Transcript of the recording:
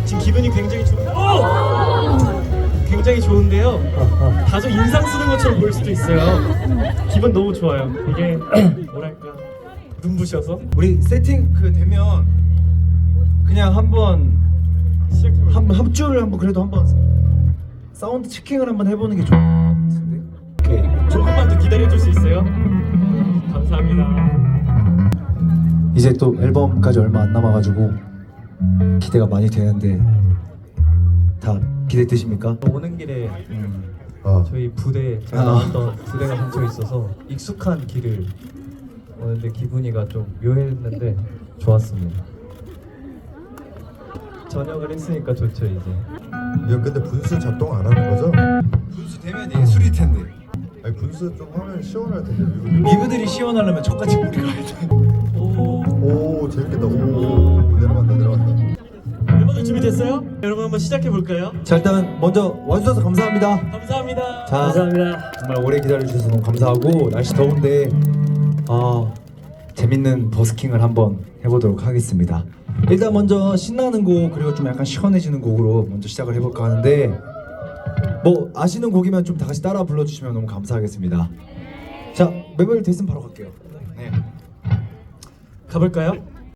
지금 기분이 굉장히 굉장히 좋은데요. 다소 인상 쓰는 것처럼 보일 수도 있어요. 기분 너무 좋아요. 이게 뭐랄까 눈부셔서 우리 세팅 되면 그냥 한번 합주를 한번 그래도 한번 사운드 체킹을 한번 해보는 게 좋을 것 같은데. 오케이. 조금만 더 기다려줄 수 있어요? 감사합니다. 이제 또 앨범까지 얼마 안 남아가지고 기대가 많이 되는데 다 기대되십니까? 오는 길에 어. 저희 부대 제가 나왔던 부대가 근처에 있어서 익숙한 길을 오는데 기분이가 좀 묘했는데 좋았습니다. 저녁을 했으니까 좋죠 이제. 야 근데 분수 작동 안 하는 거죠? 분수 되면 예술일 텐데. 아니 분수 좀 하면 시원할 텐데. 리브들이 시원하려면 저까지 물이 가야 돼. 오 재밌겠다. 오 내려간다. 멤버들 준비됐어요? 여러분 한번 시작해 볼까요? 자 일단 먼저 와주셔서 감사합니다. 감사합니다. 자, 감사합니다. 정말 오래 기다려주셔서 너무 감사하고 날씨 더운데 재밌는 버스킹을 한번 해보도록 하겠습니다. 일단 먼저 신나는 곡 그리고 좀 약간 시원해지는 곡으로 먼저 시작을 해볼까 하는데 뭐 아시는 곡이면 좀 다 같이 따라 불러주시면 너무 감사하겠습니다. 자 멤버들 됐으면 바로 갈게요. 네. 가볼까요?